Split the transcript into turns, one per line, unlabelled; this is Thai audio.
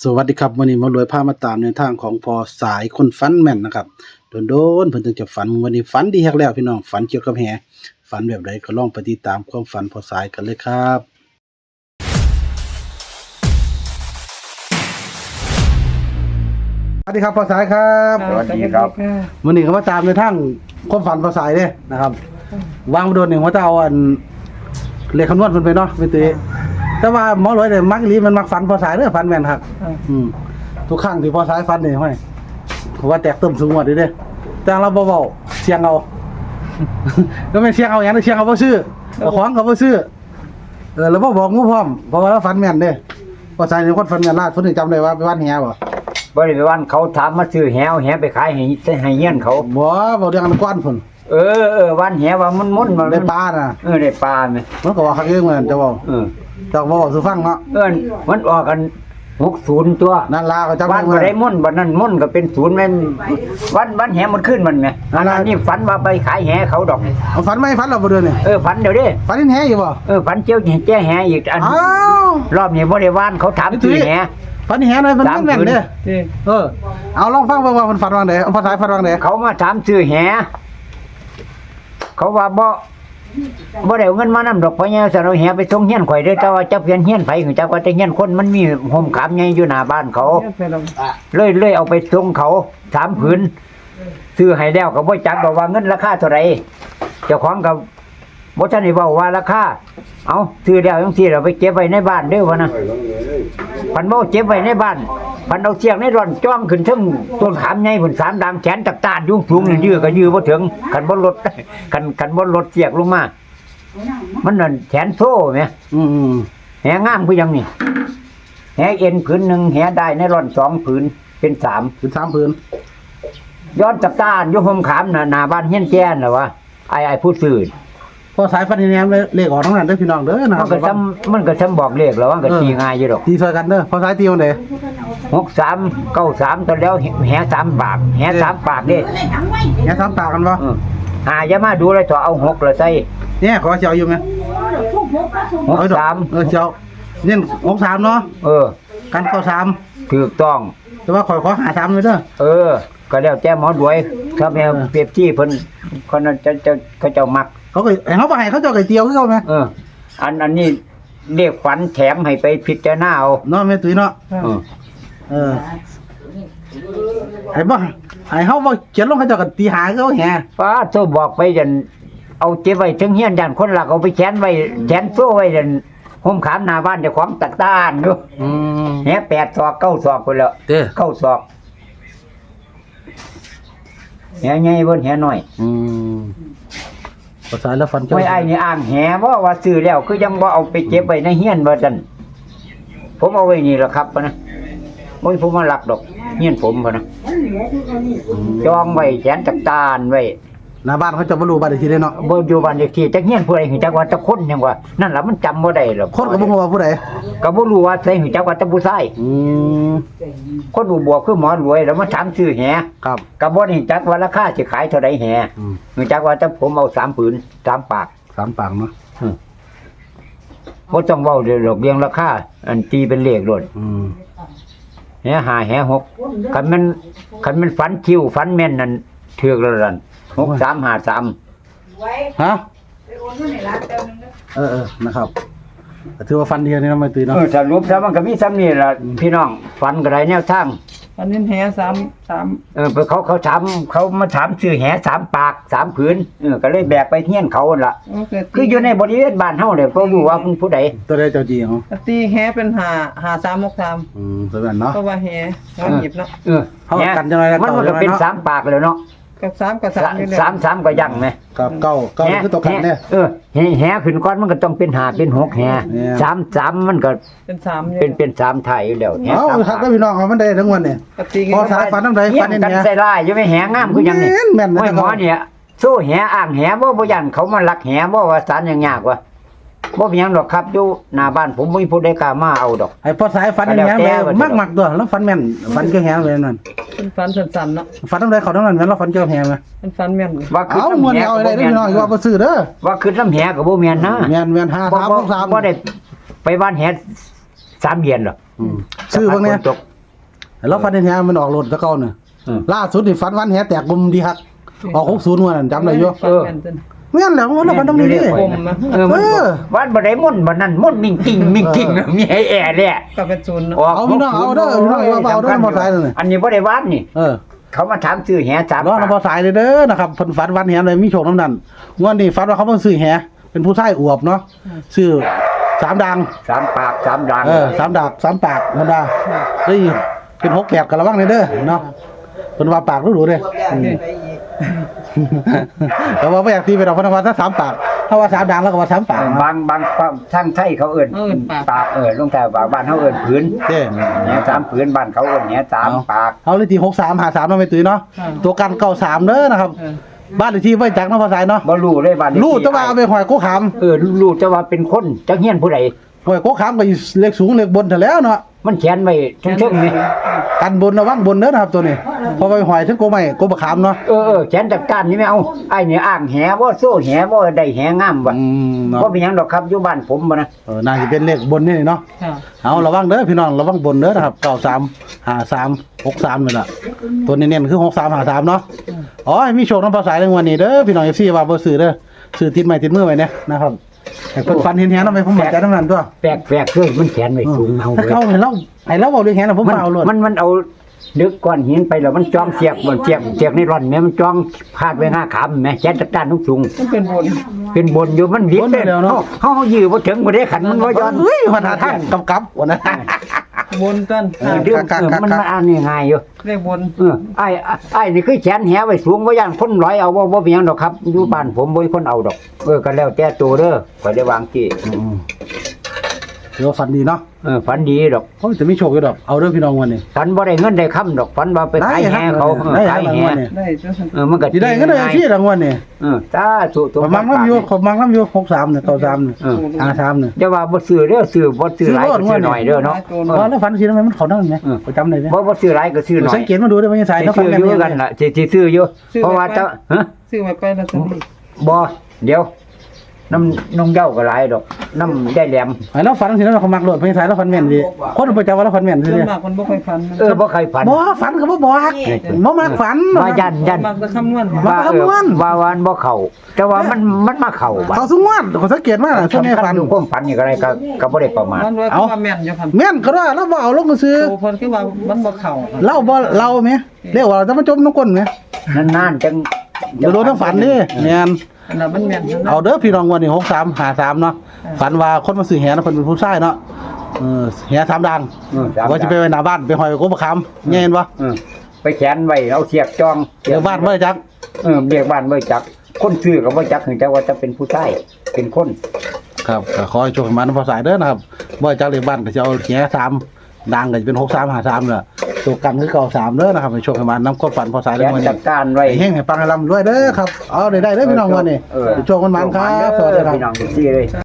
สวัสดีครับวันนี้มารวยพามาตามในทางของพอสายคนฝันแม่นนะครับโดนเพิ่นถึงจะฝันวันนี้ฝันดีฮักแล้วพี่น้องฝันเกี่ยวกับแหฝันแบบใดก็ลองไปติดตามความฝันพอสายกันเลยครับสวัสดีครับพอสายครับ
สวัสดีครับ
วันนี้ก็มาตามในทางความฝันพอสายเด้นะครับวางมาโดนหนึ่งว่าจะเอาอันเลขคำนวณเพิ่นไปเนาะเป็นตัวแต่ว่าหมอรวยเนี่ยมักอีหลีมันมักฝันพอสายเด้อฝันแม่นครับทุกครั้งที่พอสายฝันนี่ห้อยผมว่าแตกต้มสูงหมดเด้แต่เราเบาๆเสียงเอา ก็ไม่เสียงเอาอย่างนั้นเสียงเอาบ่ซื้อเอาของก็บ่ซื้อแล้วบ่บอกงูพร้อมเพราะว่าเราฝันแม่นเด้พอสายนี่คนฝันแม่นลาดเพิ่นจำได้ว่าไปวัดแหบ่
บริเวณเขาถามมาซื้อแหวไปขายให้เงี้ยนเขา
บ่เรื่องอันกว้านพุ่น
วันแหว่ามันมัน
ได้ปลาน่ะ
ได้ปลาไหม
มันก็ว่าคักเองเหมือนจะเว้าแต่บ่เว้าสู่ฟังเนาะ
มันออกกัน60ตัว
นั่นล่ะก็จำ
วันบ่ได้มุ่นบัดนั้นมุ่นก็เป็น0แม่นวันแหมันขึ้นมันไงอันนี้ฝันว่าไปขายแหเขาดอก
เอาฝันไหมฝันเราบ่เดือนนี่
ฝันเดี๋ยวดิ
ฝันเห็นแหอยู่บ่
ฝันเจียวแจ้แหอีกอัน
อ้าว
รอบนี้บ่ได้ว่านเขาถามซื้อแห
ฝันเห็นหน่อยมันแม่นเด้เอาลองฟังเบิ่งว่ามันฝันว่าไดภาษาฝันว่าได
เขามาถามซื้อแหเขาว่าบ่ได้เอาเงินมานำดอกเพราะเนี่ยสนเอาแหไปส่งเฮียนข่อยเด้อแต่ว่าจักเพียนเฮียนไผของจักว่าแต่เฮียนคนมันมีห่มขามใหญ่อยู่หน้าบ้านเขาเลยเอาไปส่งเขา3ผืนซื้อให้แล้วก็บ่จักดอกว่าเงินราคาเท่าไหร่เจ้าของก็บ่ทันได้เว้าว่าราคาเอาซื้อแล้วจังซี่เราไปเก็บไว้ในบ้านเด้อว่านะพันบ่เก็บไว้ในบ้านพันเอาเสียงในร่อนจ้องขึ้นถึงต้นขามใหญ่พุ่น3ดามแขนตักตาดยุ่งสูงนี่ยื้อก็ยื้อบ่ถึงคันบ่ลดคันบ่ลดเสียกลงมามันนั่นแขนโซ่แหมแหงามคือหยังนี่แหเอ็นผืนนึงแหได้ในร่อน2ผืนเป็น3
เป็น3ผืน
ย้อนตักตาดอยู่ห่มขามหน้าบ้านเฮียนแก่นน่ะวะไอ้ผู้ซื้อ
พอสายฝันเห็นแหมเลขออกทั้งนั้นเด้อพี่น้องเด้อนะ
มันก็ซ้ำบอกเลขแล้วว่าก็ตีง่ายอยู่ดอก
ตีซอยกันเด้อพอสายตีจังได๋
63 93ตอนแล้วแห3ปากแห3ปากเด้
แห3ปากกันบ่
อย่ามาดูเลยต่อเอา6แล้วใส่
เนี่ยขอเสียวอยู่มั้ย
63
เสียวเน้น63เนาะกัน93
ถูกต้อง
แต่ว่าขอ53เลยเด้อ
ก็แล้วแต่หมอด้วยถ้าแม่เปรียบที่เพิ่นคนนั้นจะเขาเจ้ามัก
เขาก็เขาบ่ให้เขาเจ้าไก่เตียวคือเขามั้ย
อันนี้เรียกฝันแถมให้ไปพิจารณาเอา
เนาะแม่ตุ้ยเนาะให้บ่ให้เฮาบ่เขียนลงเขาเจ้าก็ตีหาเขาแฮ
ป้าโทรบอกไปจันเอาเก็บไว้ถึงเฮียนยันคนหลักเอาไปแขวนไว้แขวนโซ่ไว้จันห่มขามหน้าบ้านเจ้าของตัดต้านอยู่แห8ศอก9ศอกพุ่นแล้ว9ศอกแหใหญ่เพิ่นแหน้อย
ภาษาแล้วฟันเจ้า
ไม่ไอ้นี่อ่างแหบ่ว่าซื้อแล้วคือยังบ่เอาไปเก็บไว้ในเฮียนว่าซั่นผมเอาไว้นี่ล่ะครับนะบ่มีผมมาลักดอกเฮียนผมพุ่นนะจองไว้แขนตักตานไว้
หน้าบ้านเขาจะบ่รู้บ้านเลขที่ได้เนาะ
บ่อยู่บ้านเลขที่จักเฮียนผู้ใดฮู้จักว่าจักคนหยังว่านั่นล่ะมันจำบ่ได้หรอก
คนก็บ่ฮู้ว่าผู้ใด
ก็บ่รู้ว่าใครฮู้จักว่าแต่ผู้ชายคนอุบวกคือหมอรวยแล้วมาถามซื้อแห
ครับ
ก็บ่ได้จักว่าราคาสิขายเท่าใดแหฮู้จักว่าแต่ผมเอา3ผืน3ปาก
3ปากเนาะ
บ่ต้องเว้าเรื่องเรียงราคาอันตีเป็นเลขโลดแห5แห6คันมันฝันคิวฝันแม่นนั่นถูกแล้วนั่น6353
ฮะนะครับถือว่าฟันเดียวนี่นะไม่ตื่นเนาะ
สรุปแล้วมันก็มีซ้ำนี่ล่ะพี่น้องฟันก็ได้แนวทาง
อันนี้แห3
เขามาถามซื้อแห3ปาก3ผืนก็เลยแบกไปเฮียนเขานั่นล่ะคืออยู่ในบริเวณบ้านเฮาเนี่ยบ่รู้ว่าผู้ใด
ตัวใดเจ้าจีเฮา
ตีแหเป็น5363
ตัวนั้นเนาะ
เพราะว่าแหหยิบเนาะ
เฮากันจังได๋
มันก็เป็น3ปากแล้วเนาะ
กับ3กับ3อยู่แล้ว
3ก็ยังมั้ย
ครับ9คือตกกันเนี่ย
แหขึ้นก่อนมันก็ต้องเป็น5เป็น6แห3มันก็เป็น3ไทยอยู่แล้ว
แหครับพี่น้องมันได้ทั้งวันเนี่ยพอสายฟันนำใดฟันนี่
กันใส่ลายอยู่ไม่แหงามคือหยังนี่ห้อยหมอเนี่ยสู้แหอ่างแหบ่ยันเขามาลักแหบ่ว่าสารยังยากว่ะบ่มีหยังดอกครับอยู่หน้าบ้านผมบ่มีผู้ใดกล้ามาเอาดอก
ให้พอสายฟันนี่แหมักตัวแล้วฟันแม่นฟันเกี่ยวแหเลยนั่น
เป็นฟันสั้นๆเนาะ
ฟันนำใดเขาทั้งนั้นแม่นแล้วฟันเกี่ยวแหมั้ย
เป็นฟันแม่น
ว่าคือ
เอามวนเอาได้พี่น้องว่าบ่ซื้อเด้อ
ว่าคือน้ำแหก็บ่แม่นนะ
แม่น5 3 3
บ่ได้ไปบ้านแห3เดือนหรอก
ซื้อเบิ่งเนี่ยแล้วฟันแหมันออกรถตะเก่าเนี่ย ล่าสุดนี่ฟันวันแหแตกบุมดีครับออก60งวดนั่นจำได้อยู่
ฟันแม่นเต้น
แม่นแล้วมันฟันตรงนี้ดิ
กลมนะ
มันวันบ่ได้ม่นบ่นั่นม่นมิ่งกิ่งมีให้แอแหละ
ก็เป็นศูนย์เนาะ
เอาพี่น้องเอาเด้อพี่น้องเอาเด้อมอไซค์นั่น
อันนี้บ่ได้วานนี่ เขามาถามซื้อแห3
รอน้ำมอไซค์เลยเด้อนะครับเพิ่นฟันวันแหเลยมีโชคน้ำนั่นงวดนี้ฟันว่าเขาเพิ่นซื้อแหเป็นผู้ชายอวบเนาะซื้อ3ดัง
3 ปาก 3 ดัง
3ดาบ3ปากธรรมดาเฮ้ยเป็น68กันระวังเลยเด้อเนาะเพิ่นว่าปากรู้ๆเด้แต่ว่าบ่อยากตีไปดอกเพิ่นว่าถ้า3ปากถ้าว่า3ดังแล้วก็ว่า3ปาก
บางทางไทยเขาเอิ้นปากลงแต่ปากบ้านเฮาเอิ้นผืน
เด้
แห3ผืนบ้านเขาเอิ้นแห3ปาก
เอาเลยที่63หา3เนาะไม่ตื้อเนาะตัวกัน93เด้อนะครับบ้านเลขที่ไว้จักเนาะภาษาเนาะ
บ่รู้เลยบ้านนี้
รู้แต่ว่าเอาไปหอยโกขาม
รู้แต่ว่าเป็นคนจักเฮียนผู้ใด
หอยโกขามก็อยู่เลขสูงเลขบนแต่แล้วเนาะ
มันเขียนไว้เทิงๆนี่
กันบนระวังบนเด้อนะครับตัวนี้พอไปหอยถึงโกไม้โกบะขามเนาะ
เขียนจัดการนี่ไม่เอาไอ้นี่อ้างแหบ่โซ่แหบ่ได้แหงามว่ะ
เนาะ
บ่เป็นหยังดอกครับอยู่บ้านผมบ่นะ
น่าจะเป็นเลขบนนี่เนาะ
ค่ะ
เอาระวังเด้อพี่น้องระวังบนเด้อนะครับ93 53 63นี่ล่ะตัวเน้นๆคือ63 53เนาะอ๋อมีโชคนำภาษาเรื่องวันนี้เด้อพี่น้อง FC ว่าบ่ซื้อเด้อซื้อติดไม้ติดมือไว้เนี่ยนะครับให้เพิ่นฟันเห็นแฮนำไปผมมั่นใจนำนั้นตัว
แปลกๆคือมันเขียนไว้สูงเอา
ถ้า
เว้ย
เขาให้เราเว้าเรื่องแฮนน่ะผมฟ้าเอาโลด
มันเอาดึกก้อนหินไปแล้วมันจ้องเสียกมันเสียกในร่อนแม่มันจ้องพาดไว้หน้าขามแม่เขียนจัดการสูง
มันเป็นบน
เป็นบนอยู่มันวิดเด้เฮายื้อบ่ถึงบ่ได้ขันมันบ่ย้อน
เฮ้ยมาหาทางกำกับวันนั้น
บนต้น
เรื่องมันอ่านง่ายๆอยู่
เลขบน
ไอ้นี่คือแขนแหไว้สูงบ่ย่านคนร้อยเอาบ่เป็นหยังดอกครับอยู่บ้านผมบ่มีคนเอาดอกก็แล้วแต่ตัวเด้อข่อยได้วางที่
เดี๋ยวฝันดีเนาะ
ฝันดีดอก
เขาจะไม่โชคอยู่ดอกเอาเรื่องพี่น้องวันนี้
ฝันบ่ได้เงินได้คำดอกฝันว่าไปขายแหเขาขายแห
ได้จ้ะ
มันก็
ที่ได้ก็ได้ที่รางวัลนี่
สาธุตัว
ประมาณน้ำอยู่63เนี่ย93เนี่ย53เนี่ย
จะว่าบ่ซื้อเด้อซื้อบ่ซื้อหลายก็ซื้อหน่อยเด้อเนาะ
แล้วฝันสิทำไมมันเขานั่นไหมประจำได้ไหม
บ่ซื้อหลายก็ซื้อหน่อย
สังเกตมาดูได้ไหมสาย
สิ
แล้วฝัน
ซื้อ
แม่
อยู่
น
กันล่ะสิซื้ออยู่เพราะว่าเจ้าฮะ
ซื้อไว้ไปแล้วจะนี่
บ่เดี๋ยวน้ำนงเย้าก็หลายดอกน้ำได้แหลม
แล้วฝันสิแล้วเขามักโหลดเพลงสายแล้วฝันแม่นดีคนประจำว่าแล้วฝันแม่น
ส่
สิ
วนมากมันบ่ค่อยฟัน
บ่เคยฝัน
บ่ฝันก็บ่บอกบ่มักฝัน
ว่ายัน
มักจะคำนวณ
ว่าคำนวณ
ว่าวันบ่เข้าแต่ว่ามันมาเข้าบัด
เขาสุงวดเขาสังเกตมาช่วงนี้ฝัน
อยู่ความฝันนี่ก็ได้ก็บ่ได้ประมาท
มันว่าแม่นอยู่ครับ
แม่นก็ว่าเราบ่เอาลงซื้อ
โอ้เพิ่นคือว่ามันบ่เข้า
เราบ่เราแม่เรียกว่าเราจะมาจมน้ำก้นแม่
นานๆจัง
เดี๋ยวโดนทั้งฝันนี่แม่น
อันนั้นมันแม่น
เอาเด้อพี่น้องวันนี้63 53เนาะฝันว่าคนมาซื้อแหนะเพิ่นเป็นผู้ชายเนาะแห3ดังว่าจะไปไว้หน้าบ้านไปหอยกบคำแม่นบ่
ไปแขวนไว้เอาเสียกจอง
เดี๋ยวบ้านบ่ได้จัก
เรียกบ้านบ่จักคนซื้อก็บ่จักถึงแต่ว่าจะเป็นผู้ชายเป็นคน
ครับก็ขอให้โชคให้มานำภาษาเด้อนะครับบ่ได้จักเลขบ้านก็จะเอาแห3ดังก็จะเป็น63 53ล่ะตัวกันคือ93เด้อนะครับให้โชคให้มานำความฝันภาษา
แข
เด้อ
วน
วัน
จั
นี้
ดการไว้
ให้เฮงให้ปังให้ร่ำรวยเด้อครับเอาได้เด้อพี่น้องวันนี้โชคมันมันครับสวัสดีครับ
พี่น้องทุกที่เลย